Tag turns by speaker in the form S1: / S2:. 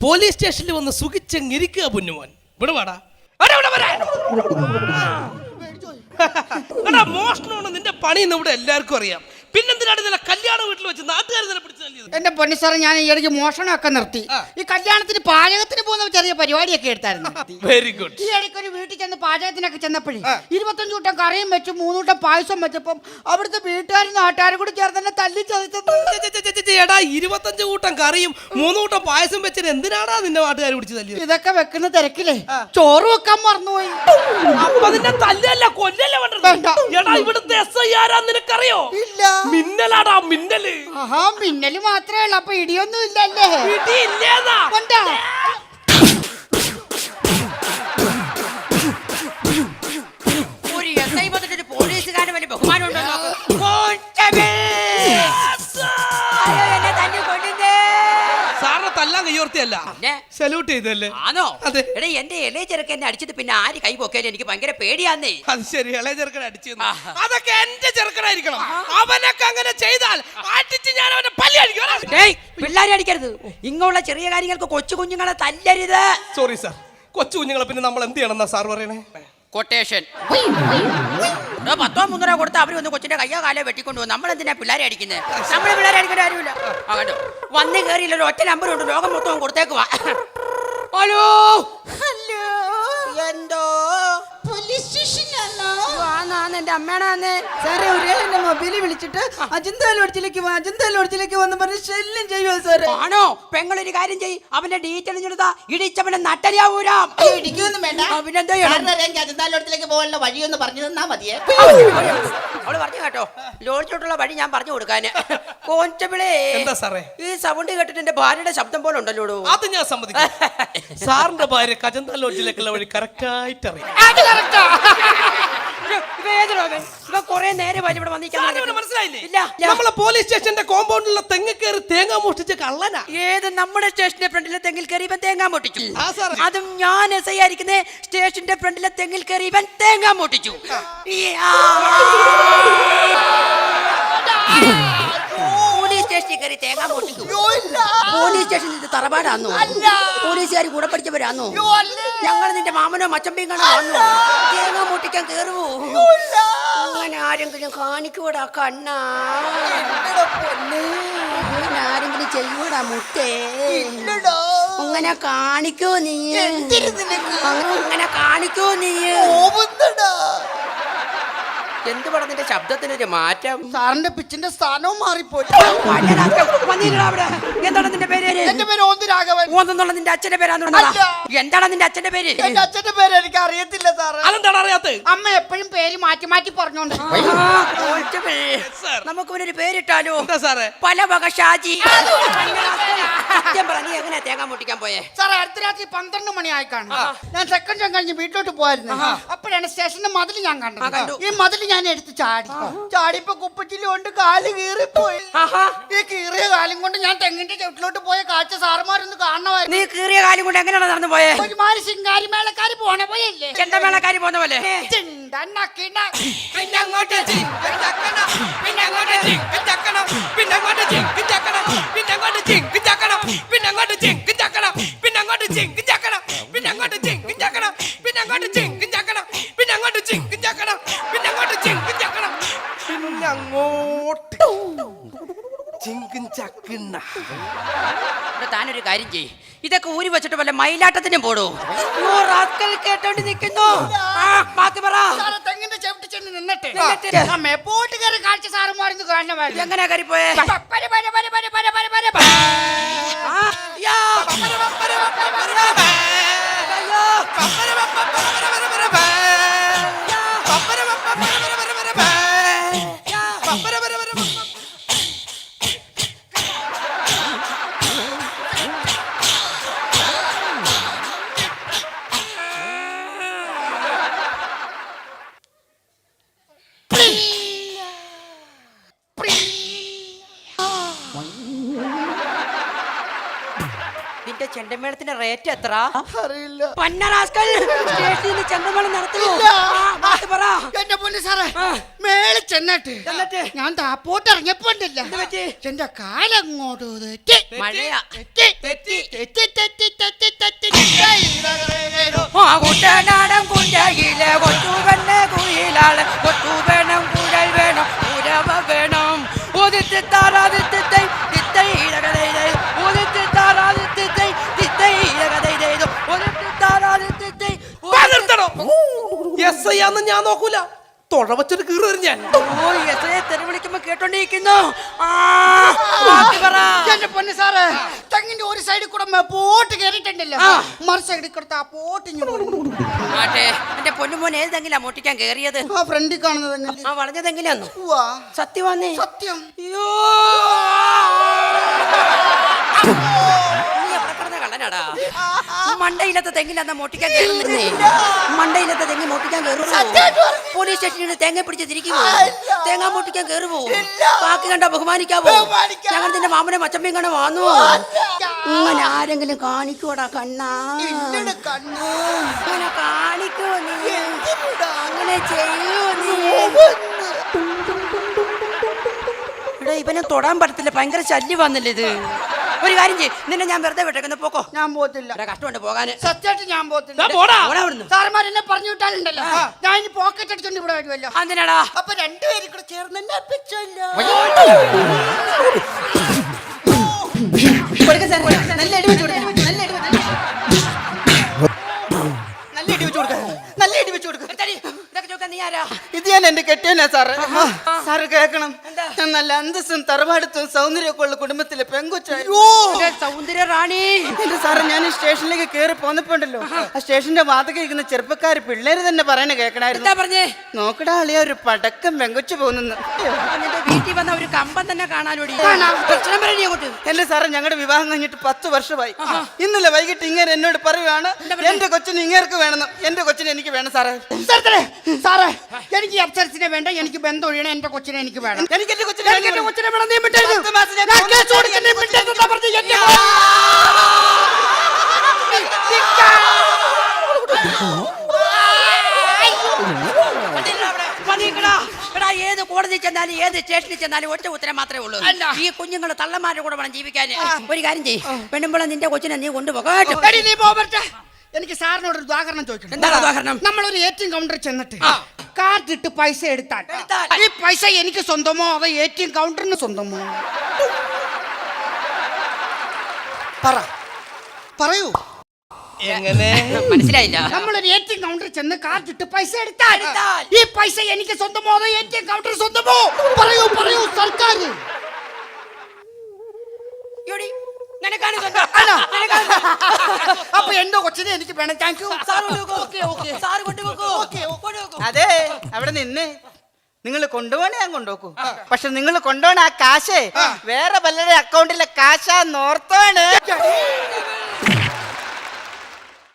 S1: Police സ്റ്റേഷനിൽ വന്ന് സുഖിച്ചെങ്ങിരിക്കുക പൊന്നുമോൻ. ഇവിടെ വാടാ. മോഷണമാണ് നിന്റെ പണി എന്ന് ഇവിടെ എല്ലാവർക്കും അറിയാം. പിന്നെന്തിനാണ് ഇന്നലെ കല്യാണ വീട്ടിൽ വെച്ച് നാട്ടുകാർ തന്നെ പിടിച്ചു തല്ലിയത്?
S2: എന്റെ പൊന്നു സാറേ, ഞാൻ ഈ ഇടയ്ക്ക് മോഷണമൊക്കെ നിർത്തി. ഈ കല്യാണത്തിന് പാചകത്തിന് പോകുന്ന ചെറിയ പരിപാടിയൊക്കെ എടുത്തായിരുന്നു.
S1: Very good.
S2: ഈ ഇടയ്ക്ക് ഒരു വീട്ടിൽ ചെന്ന് പാചകത്തിനൊക്കെ ചെന്നപ്പോഴേ 25 കൂട്ടം കറിയും വെച്ചു 3 കൂട്ടം പായസം വെച്ചപ്പം അവിടുത്തെ വീട്ടുകാരും നാട്ടുകാരും കൂടി ചേർന്ന് തന്നെ തല്ലി ചതച്ചത്.
S1: എടാ 25 കൂട്ടം കറിയും 3 കൂട്ടം പായസം വെച്ചിട്ട് എന്തിനാടാ നിന്റെ നാട്ടുകാർ പിടിച്ച് തല്ലിയത്?
S2: ഇതൊക്കെ വെക്കുന്ന തിരക്കില്ലേ ചോറ് വെക്കാൻ മറന്നുപോയി.
S1: അപ്പൊ നിന്നെ തല്ലല്ല കൊല്ലല്ലേ വേണ്ട. എടാ ഇവിടുത്തെ SI ആരാ നിനക്കറിയോ?
S2: ഇല്ല.
S1: മിന്നലാടാ മിന്നല്.
S2: ആഹാ, മിന്നല് മാത്രമേ ഉള്ളൂ. അപ്പൊ ഇടിയൊന്നും ഇല്ലല്ലേ?
S1: ഇടി ഇല്ലേതാ.
S3: ഒരു SI വന്നിട്ട് പോലീസുകാരന് വലിയ ബഹുമാനം ഉണ്ടോ?
S1: സാറിനെ തല്ലാൻ കയ്യോർത്തിയല്ല, സല്യൂട്ട് ചെയ്തല്ലേ?
S3: ആണോ?
S1: അതെ.
S3: എടാ എന്റെ ഇളയ ചെറുക്കനെ അടിച്ചത് പിന്നെ ആര് കൈ പൊക്കിയാലും എനിക്ക് ഭയങ്കര പേടിയാന്നേ.
S1: അത് ശരി, ഇളയ ചെറുക്കനെ അടിച്ചു. അതൊക്കെ എന്റെ ചെറുക്കനായിരിക്കണം. അവനൊക്കെ അങ്ങനെ ചെയ്താൽ അടിച്ച് ഞാൻ അവനെ പല്ലി അടിക്കും.
S3: പിള്ളേരെ അടിക്കരുത്. ഇങ്ങുള്ള ചെറിയ കാര്യങ്ങൾക്ക് കൊച്ചു കുഞ്ഞുങ്ങളെ തല്ലരുത്.
S1: Sorry sir. കൊച്ചു കുഞ്ഞുങ്ങളെ പിന്നെ നമ്മൾ എന്ത് ചെയ്യണം എന്നാ സാർ പറയണേ?
S3: കൊട്ടേഷൻ 10-3 കൊടുത്ത് അവർ ഒന്ന് കൊച്ചിന്റെ കയ്യോ കാലോ വെട്ടിക്കൊണ്ടു പോകും. നമ്മളെന്തിനാ പിള്ളേരെ അടിക്കുന്നത്? നമ്മളെ പിള്ളേരെ അടിക്കേണ്ട കാര്യമില്ല. കേട്ടോ, വന്ന് കയറിയില്ല, ഒറ്റ നമ്പർ ഉണ്ട്, ലോകം മൊത്തം കൊടുത്തേക്കുവാ. ഹലോ ഹലോ, എന്തോ
S2: പോലീസ് സ്റ്റേഷനാണോ?
S3: എന്റെ അമ്മയാണെ
S2: സാറേ, ഒരാൾ എന്റെ മൊബൈലിൽ വിളിച്ചിട്ട് അജന്താ ലോഡ്ജിലേക്ക് വന്ന് പറഞ്ഞ് ശല്യം ചെയ്യുമോ സാറേ?
S3: ആണോ? പെങ്ങളൊരു കാര്യം ചെയ്യ്, അവന്റെ ഡീറ്റെയിൽ ചെലുത്താ ഇടിച്ചവനെ നട്ടരിയാവൂരാ.
S2: ഇടിക്കൊന്നും വേണ്ട.
S3: അവനെന്തോ
S2: അജന്താ ലോഡ്ജിലേക്ക് പോകാനുള്ള വഴിയൊന്ന് പറഞ്ഞു തന്നാ മതിയേ.
S3: അവള് പറഞ്ഞു കേട്ടോ, ലോഡ്ജിലോട്ടുള്ള വഴി ഞാൻ പറഞ്ഞു കൊടുക്കാന്. കോൺസ്റ്റബിളേ,
S1: എന്താ സാറേ?
S3: ഈ സൗണ്ട് കേട്ടിട്ട് എന്റെ ഭാര്യയുടെ ശബ്ദം പോലെ ഉണ്ടല്ലോ.
S1: അത് ഞാൻ സമ്മതിക്കും. സാറിന്റെ ഭാര്യ അജന്താ ലോഡ്ജിലേക്കുള്ള വഴി കറക്റ്റ് ആയിട്ട് അറിയാം.
S3: കൊറേ നേരം ഇവിടെ
S1: മനസ്സിലായില്ലേ? നമ്മളെ പോലീസ് സ്റ്റേഷന്റെ കോമ്പൗണ്ടിലുള്ള തെങ്ങ് കയറി തേങ്ങ മോഷ്ടിച്ച കള്ളനാ.
S3: ഏത് നമ്മുടെ സ്റ്റേഷന്റെ ഫ്രണ്ടിലെ തെങ്ങിൽ കയറി ഇവൻ തേങ്ങ മോട്ടിച്ചു.
S1: സാർ,
S3: അതും ഞാൻ SI ആയിരിക്കുന്നേ. സ്റ്റേഷന്റെ ഫ്രണ്ടിലെ തെങ്ങിൽ കയറി ഇവൻ തേങ്ങ മോട്ടിച്ചു. പോലീസ് സ്റ്റേഷനിൽ കയറി തേങ്ങ മോട്ടിച്ചു. പോലീസ് സ്റ്റേഷനിൽ ഇത് തറവാടാന്നോ? പോലീസുകാർ കൂടെ പഠിച്ചവരാന്നോ? ഞങ്ങൾ നിന്റെ മാമനോ മച്ചമ്പിയും കാണാൻ വന്നു. തേങ്ങ മോട്ടിക്കാൻ കയറുവോ? അങ്ങനെ ആരെങ്കിലും കാണിക്കൂടാ കണ്ണാ? അങ്ങനെ ആരെങ്കിലും ചെയ്യൂടാ മുട്ടേ? അങ്ങനെ കാണിക്കോ നീ? അങ്ങനെ കാണിക്കോ നീ? എന്ത് പടം നിന്റെ ശബ്ദത്തിനൊരു മാറ്റം?
S2: സാറിന്റെ പിച്ചിന്റെ സ്ഥാനവും മാറിപ്പോയി.
S3: എന്താണ് നിന്റെ പേര്?
S2: എന്റെ പേര് ഓന്തുരാഘവൻ.
S3: ഓന്നുള്ള നിന്റെ അച്ഛന്റെ പേരാണ്. എന്താണ് നിന്റെ അച്ഛന്റെ പേര്?
S2: എന്റെ അച്ഛന്റെ പേര് എനിക്ക് അറിയത്തില്ല സാറ്.
S1: അതെന്താണ് അറിയാത്തത്?
S2: അമ്മ എപ്പോഴും പേര് മാറ്റി മാറ്റി പറഞ്ഞോണ്ട്.
S3: നമുക്ക് ഒരു പേരിട്ടാലോ?
S1: എന്താ സാറേ?
S3: പല വക ഷാജി. സത്യം പറഞ്ഞ എങ്ങനെ തേങ്ങ മുട്ടിക്കാൻ പോയേ?
S2: സാറേ, അടുത്ത രാത്രി 12 മണിയായി കാണും. ഞാൻ സെക്കൻഡ് ഷോ കഴിഞ്ഞ് വീട്ടിലോട്ട് പോയായിരുന്നു. അപ്പോഴാണ് സ്റ്റേഷന്റെ മതിൽ ഞാൻ കണ്ടത്. ഈ മതിൽ ഞാൻ എടുത്ത് ചാടിയപ്പോ കുപ്പച്ചില് കൊണ്ട് കാല് കീറിപ്പോയി. ഈ കീറിയ കാലം കൊണ്ട് ഞാൻ തെങ്ങിന്റെ ചുവട്ടിലോട്ട് പോയ കാഴ്ച സാറുമാരൊന്ന് കാണണമായിരുന്നു.
S3: നീ കീറിയ കാലം കൊണ്ട് എങ്ങനെയാണ് നടന്നു പോയേ?
S2: ഒരുമാതിരി ശിങ്കാരി മേളക്കാര് പോണ പോയല്ലേ?
S3: ചെണ്ടമേളക്കാരി പോന്ന പോലെ. താനൊരു കാര്യം ചെയ്യ്, ഇതൊക്കെ ഊരി വെച്ചിട്ട് വല്ല മയിലാട്ടത്തിനും പോടൂ. കേട്ടോണ്ട് നിൽക്കുന്നു.
S2: തെങ്ങിന്റെ ചവിട്ടി ചെന്ന് നിന്നിട്ട് മേപ്പോട്ട് കയറി കാഴ്ച സാറുമാരൊന്ന് കാണണമായിരുന്നു.
S3: എങ്ങനെയാ കയറി പോയേ? ഇവിടുത്തെ ചെണ്ടമേളത്തിന്റെ റേറ്റ് എത്ര?
S2: അറിയില്ല.
S3: പന്നറാസ്കൽ സ്റ്റേഷനിൽ ചെണ്ടമേളം നടത്തുമോ? പറ.
S2: എന്റെ പൊന്നു സാറേ, മേളിൽ ചെന്നിട്ട് ഞാൻ താപ്പോട്ട് ഇറങ്ങിയപ്പോ ഉണ്ടല്ലോ, എന്റെ കാലങ്ങോട്ട് തെറ്റി.
S3: മഴയാ.
S1: തെറ്റി.
S3: കുട്ടനാടൻ കുഞ്ചയിലെ കൊച്ചുവെണ്ണ കുയിലാണ്, കൊച്ചു വേണം കുഴൽ വേണം ഉരവ വേണം. ഉദിച്ച് താറാദിത്തൈ തിത്തൈ ഇടകതൈ ഉദിച്ച് താറാദിത്തൈ തിത്തൈ ഇടകതൈ ഉദിച്ച് താറാദിത്തൈ.
S1: SI ആന്ന് ഞാൻ നോക്കൂല, തൊഴ വച്ചൊരു കീറ് വരും ഞാൻ.
S3: തെറി വിളിക്കുമ്പോ കേട്ടോണ്ടിരിക്കുന്നു.
S2: എന്റെ പൊന്നു സാറേ, തെങ്ങിന്റെ ഒരു സൈഡിൽ കൂടെ പോട്ട് കയറിയിട്ടുണ്ടല്ലോ, മറു സൈഡിൽ കൂടെ ആ പോട്ട്
S3: എന്റെ പൊന്നുമോൻ ഏതെങ്കിലും മോട്ടിക്കാൻ കേറിയത്?
S2: ആ ഫ്രണ്ടിൽ കാണുന്നത്
S3: ആ വളഞ്ഞതെങ്കിലാന്നു സത്യമാന്നേ.
S2: സത്യം.
S3: അയ്യോ കള്ളനാടാ. മണ്ടയിലത്തെ തെങ്ങിലാന്ന മോട്ടിക്കാൻ കയറുന്നേ. മണ്ടയിലത്തെ തെങ്ങി മോട്ടിക്കാൻ കയറുമോ? പോലീസ് സ്റ്റേഷനിൽ തേങ്ങ പിടിച്ച് തിരിക്കുമോ? തേങ്ങ മോട്ടിക്കാൻ കയറുമോ? ബാക്കി കണ്ട ബഹുമാനിക്കാവോ? ഞങ്ങൾ നിന്റെ മാമനെ മച്ചമ്മയും കാണാൻ വന്നു. അങ്ങനെ ആരെങ്കിലും കാണിക്കൂടാ കണ്ണാ? അങ്ങനെ കാണിക്കോ നീ? അങ്ങനെ ചെയ്യൂ നീ? ഇവിടെ ഇവനെ തൊടാൻ പറ്റത്തില്ല, ഭയങ്കര ശല്യം വന്നില്ല ഇത്. ഒരു കാര്യം ചെയ്യ്, നിന്നെ ഞാൻ വെറുതെ വിട്ടേക്കുന്ന പോക്കോ.
S2: ഞാൻ പോത്തില്ല,
S3: കഷ്ടമുണ്ട് പോകാന്.
S2: സത്യമായിട്ട് ഞാൻ പോത്തില്ല. സാറന്മാരെന്നെ പറഞ്ഞു വിട്ടാലുണ്ടല്ലോ, ഞാൻ ഇനി പോക്കറ്റ് അടിച്ചോണ്ട് ഇവിടെ വരുമല്ലോ.
S3: എന്തിനാടാ?
S2: അപ്പൊ രണ്ടുപേരും കൂടെ ചേർന്ന് എന്നെ അപ്പിച്ചല്ലോ. നല്ല അടി വെച്ച് കൊടുക്കാം, നല്ല അടി വെച്ച് കൊടുക്കാം, നല്ല അടി വെച്ച് കൊടുക്കാം. ഇത് ഞാൻ എന്റെ കെട്ടിയനാ സാറ്. സാറ് കേക്കണം, ഞാൻ നല്ല അന്തസ്സും തറവാടുത്തും സൗന്ദര്യമൊക്കെ ഉള്ള കുടുംബത്തിലെ പെങ്കൊച്ചായോ
S3: സൗന്ദര്യ റാണി.
S2: എന്റെ സാറ്, ഞാൻ ഈ സ്റ്റേഷനിലേക്ക് കയറി പോന്നപ്പോണ്ടല്ലോ, ആ സ്റ്റേഷന്റെ വാതക ഇരിക്കുന്ന ചെറുപ്പക്കാര് പിള്ളേര് തന്നെ പറയണ കേൾക്കണായിരുന്നു.
S3: പറഞ്ഞേ,
S2: നോക്കടാ അളിയ ഒരു പടക്കം പെങ്കൊച്ചു പോകുന്നു.
S3: വീട്ടിൽ വന്ന ഒരു കമ്പം തന്നെ കാണാനോടി.
S2: എന്റെ സാറ്, ഞങ്ങളുടെ വിവാഹം കഴിഞ്ഞിട്ട് 10 വർഷമായി. ഇന്നലെ വൈകിട്ട് ഇങ്ങനെ എന്നോട് പറയുവാണ്, എന്റെ കൊച്ചിന് ഇങ്ങേർക്ക് വേണമെന്ന്. എന്റെ കൊച്ചിനെ എനിക്ക് വേണം സാറേ. സാറേ, എനിക്ക് അപ്സരസിനെ വേണ്ട, എനിക്ക് ബന്ധം ഒഴിയണം. എന്റെ കൊച്ചിനെ എനിക്ക് വേണം. എനിക്ക് എന്റെ കൊച്ചിനെ വേണം. നീ വിട്ടേക്ക്. ഞാൻ കേസ് കൊടുക്കും, നീ വിട്ടേക്ക്.
S3: ഏത് കോടതി ചെന്നാലും ഏത് സ്റ്റേഷനിൽ ചെന്നാലും ഒറ്റ ഉത്തരം മാത്രമേ ഉള്ളൂ. ഈ കുഞ്ഞുങ്ങൾ തള്ളമാരുടെ കൂടെ വേണം ജീവിക്കാൻ. ഒരു കാര്യം ചെയ്യ്, പെണ്ണുമ്പോഴും നിന്റെ കൊച്ചിനെ നീ കൊണ്ടുപോകട്ടെ.
S2: എനിക്ക് സാറിനോട് ഒരു ഉദാഹരണം ചോദിക്കണം.
S3: എന്താണ് ഉദാഹരണം?
S2: നമ്മളൊരു ATM കൗണ്ടറിൽ ചെന്നിട്ട് കാർഡ് ഇട്ട് പൈസ എടുത്താൽ ഈ പൈസ എനിക്ക് സ്വന്തമോ അതോ ATM കൗണ്ടറിന് സ്വന്തമോ? പറയൂ.
S1: എങ്ങനെ
S3: മനസ്സിലായില്ല?
S2: നമ്മളൊരു ATM കൗണ്ടറിൽ ചെന്ന് കാർഡ് ഇട്ട് പൈസ എടുത്താൽ ഈ പൈസ എനിക്ക് സ്വന്തമോ അതോ ATM കൗണ്ടറിന് സ്വന്തമോ? പറയൂ സർക്കാർ. അപ്പൊ എന്റെ കൊച്ചിനെ എനിക്ക് വേണം. Thank you. അതെ, അവിടെ നിന്ന് നിങ്ങൾ കൊണ്ടുപോകണേ ഞാൻ കൊണ്ടുപോക്കൂ. പക്ഷെ നിങ്ങൾ കൊണ്ടുപോകണ ആ കാശ് വേറെ പലരുടെ അക്കൗണ്ടിലെ കാശാന്നോർത്താണ്.